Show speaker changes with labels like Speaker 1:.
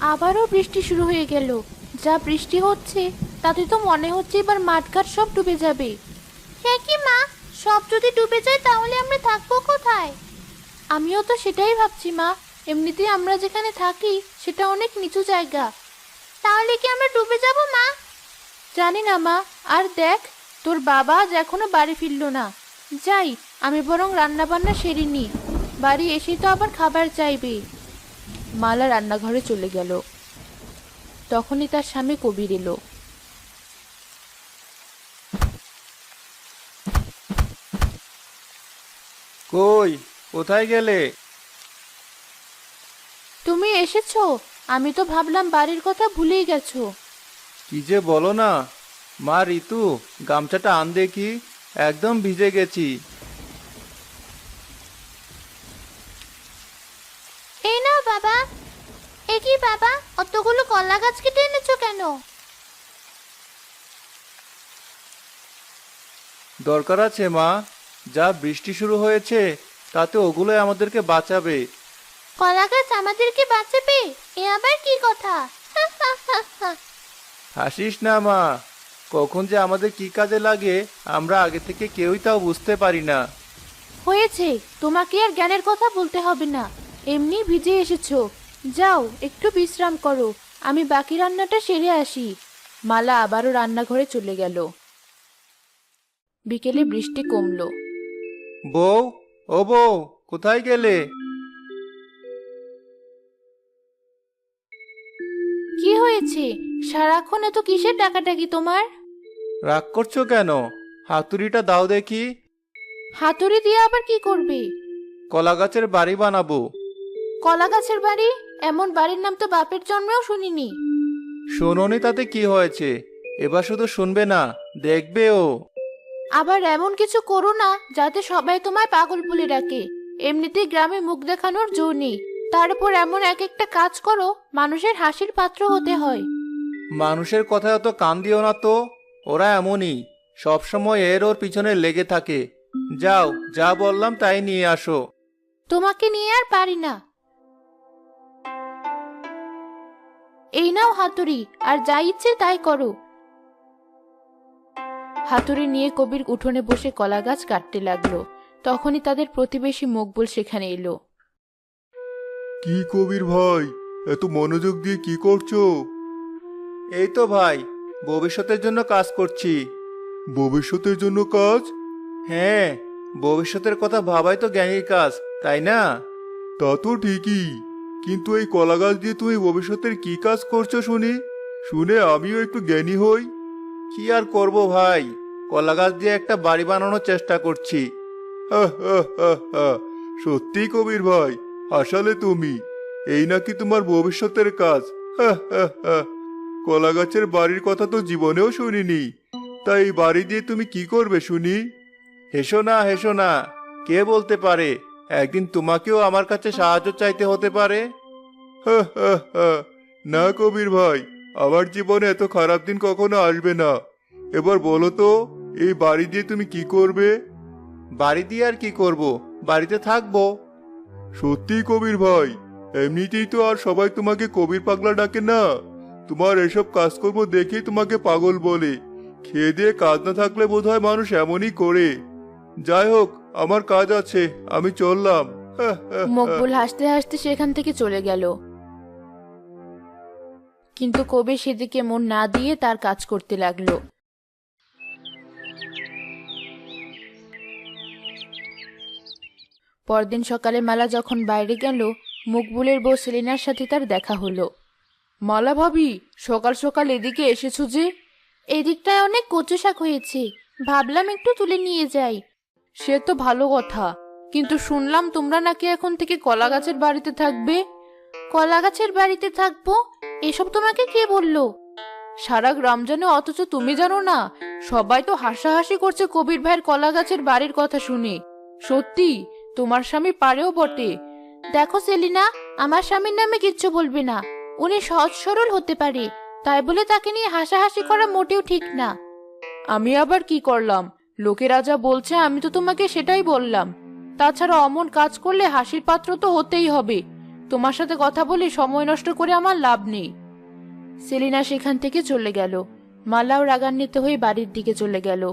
Speaker 1: আবারও বৃষ্টি শুরু হয়ে গেল। যা বৃষ্টি হচ্ছে তাতে তো মনে হচ্ছে এবার মাঠঘাট সব ডুবে যাবে। সে কি মা, সব যদি ডুবে যায় তাহলে আমরা থাকবো কোথায়? আমিও তো সেটাই ভাবছি মা। এমনিতেই আমরা যেখানে থাকি সেটা অনেক নিচু জায়গা। তাহলে কি আমরা ডুবে যাব মা? জানি না মা। আর দেখ, তোর বাবা আজ এখনো বাড়ি ফিরলো না। যাই, আমি বরং রান্না বান্না সেরে নি। বাড়ি এসে তো আবার খাবার চাইবে। মালা রান্নাঘরে চলে গেল। তখনই তার স্বামী কবির এলো।
Speaker 2: কই, কোথায় গেলে?
Speaker 1: তুমি এসেছো? আমি তো ভাবলাম বাড়ির কথা ভুলেই গেছো।
Speaker 2: কি যে বলো না। মা ঋতু, গামছাটা আন দেখি, একদম ভিজে গেছি।
Speaker 1: এই নাও বাবা। এ কি বাবা, অতগুলো কলা গাছ কেটে এনেছো কেন?
Speaker 2: দরকার আছে মা, যা বৃষ্টি শুরু হয়েছে তাতে ওগুলোই আমাদেরকে বাঁচাবে।
Speaker 1: কলা গাছ আমাদেরকে বাঁচাবে? এ আবার কি কথা?
Speaker 2: হাসিস না মা, কখন যে আমাদের কি কাজে লাগে আমরা আগে থেকে কেউই তাও বুঝতে পারি না।
Speaker 1: হয়েছে, তোমাকে আর জ্ঞানের কথা বলতে হবে না। এমনি ভিজে এসেছো। যাও একটু বিশ্রাম করো, আমি বাকি রান্নাটা সেরে আসি। মালা আবারও রান্নাঘরে চলে গেল। বিকেলে বৃষ্টি কমলো।
Speaker 2: বউ, ও বউ, কোথায় গেলে?
Speaker 1: কি হয়েছে? সারাক্ষণ এত কিসের ডাকাডাকি তোমার?
Speaker 2: রাগ করছো কেন? হাতুড়িটা দাও দেখি।
Speaker 1: হাতুড়ি দিয়ে আবার কি করবে?
Speaker 2: কলা গাছের বাড়ি বানাবো।
Speaker 1: কলা গাছের বাড়ি? এমন বাড়ির নাম তো বাপের জন্মেও শুনিনি।
Speaker 2: শোনোনি তাতে কি হয়েছে? এবার শুধু শুনবে না, দেখবেও।
Speaker 1: আবার এমন কিছু করো না যাতে সবাই তোমায় পাগল বলে ডাকে। এমনিতেই গ্রামে মুখ দেখানোর জো নেই, তার উপর এমন এক একটা কাজ করো মানুষের হাসির পাত্র হতে হয়।
Speaker 2: মানুষের কথায় অত কান দিও না তো, ওরা এমনই, সব সময় এর ওর পিছনে লেগে থাকে। যাও, যা বললাম তাই নিয়ে আসো।
Speaker 1: তোমাকে নিয়ে আর পারি না। এই নাও হাতুড়ি, আর যা ইচ্ছে তাই করো। হাতুড়ি নিয়ে কবির উঠোনে বসে কলা গাছ কাটতে লাগলো। তখনই তাদের প্রতিবেশী মকবুল সেখানে এলো।
Speaker 3: কি কবির ভাই, এত মনোযোগ দিয়ে কি করছো?
Speaker 2: এই তো ভাই, ভবিষ্যতের জন্য কাজ করছি।
Speaker 3: ভবিষ্যতের জন্য কাজ?
Speaker 2: হ্যাঁ, ভবিষ্যতের কথা ভাবাই তো জ্ঞানীর কাজ, তাই না?
Speaker 3: তা তো ঠিকই, কিন্তু এই কলা গাছ দিয়ে তুমি ভবিষ্যতের কি কাজ করছো শুনি, শুনে আমিও একটু জ্ঞানী হই।
Speaker 2: কি আর করব ভাই, কলা গাছ দিয়ে একটা বাড়ি বানানোর চেষ্টা করছি।
Speaker 3: হা, হা, হা, হা। সত্যি কবির ভাই, হাসালে তুমি। এই নাকি তোমার ভবিষ্যতের কাজ? হা, হা, হা। কলা গাছের বাড়ির কথা তো জীবনেও শুনিনি। তাই এই বাড়ি দিয়ে তুমি কি করবে শুনি?
Speaker 2: হেসো না, হেসো না। কে বলতে পারে একদিন তোমাকেও আমার কাছে সাহায্য চাইতে হতে পারে।
Speaker 3: হা, হা, হা। না কবির ভাই, আমার জীবনে এত খারাপ দিন কখনো আসবে না। এবার বলো তো, এই বাড়ি দিয়ে তুমি কি করবে?
Speaker 2: বাড়ি দিয়ে আর কি করব, বাড়িতে থাকবো।
Speaker 3: সত্যি কবির ভাই, এমনিতেই তো আর সবাই তোমাকে কবির পাগলা ডাকে না। তোমার এসব কাজকর্ম দেখেই তোমাকে পাগল বলে। খেয়ে দিয়ে কাজ না থাকলে বোধহয় মানুষ এমনই করে। যাই হোক, আমার কাজ আছে, আমি চললাম। হা, হা, হা।
Speaker 1: মকবুল হাসতে হাসতে সেখান থেকে চলে গেল। কিন্তু কবির সেদিকে মন না দিয়ে তার কাজ করতে লাগলো। পরদিন সকালে মালা যখন বাইরে গেল, মকবুলের বউ সেলিনার সাথে তার দেখা হলো। মালা ভাবি, সকাল সকাল এদিকে এসেছো যে? এদিকটায় অনেক কচু শাক হয়েছে, ভাবলাম একটু তুলে নিয়ে যাই। সে তো ভালো কথা, কিন্তু শুনলাম তোমরা নাকি এখন থেকে কলা গাছের বাড়িতে থাকবে। কলা গাছের বাড়িতে থাকবো? এসব তোমাকে কে বললো? সারা গ্রাম জানে অথচ তুমি জানো না? সবাই তো হাসাহাসি করছে কবির ভাইয়ের কলা গাছের বাড়ির কথা শুনে। সত্যি, তোমার স্বামী পারেও বটে। দেখো সেলিনা, আমার স্বামীর নামে কিচ্ছু বলবে না। উনি সহজ সরল হতে পারে, তাই বলে তাকে নিয়ে হাসাহাসি করা মোটেও ঠিক না। আমি আবার কি করলাম? লোকেরা যা বলছে আমি তো তোমাকে সেটাই বললাম। তাছাড়া অমন কাজ করলে হাসির পাত্র তো হতেই হবে। তোমার সাথে কথা বলে সময় নষ্ট করে আমার লাভ নেই। সেলিনা সেখান থেকে চলে গেল। মালাও রাগান্বিত হয়ে বাড়ির দিকে চলে গেল।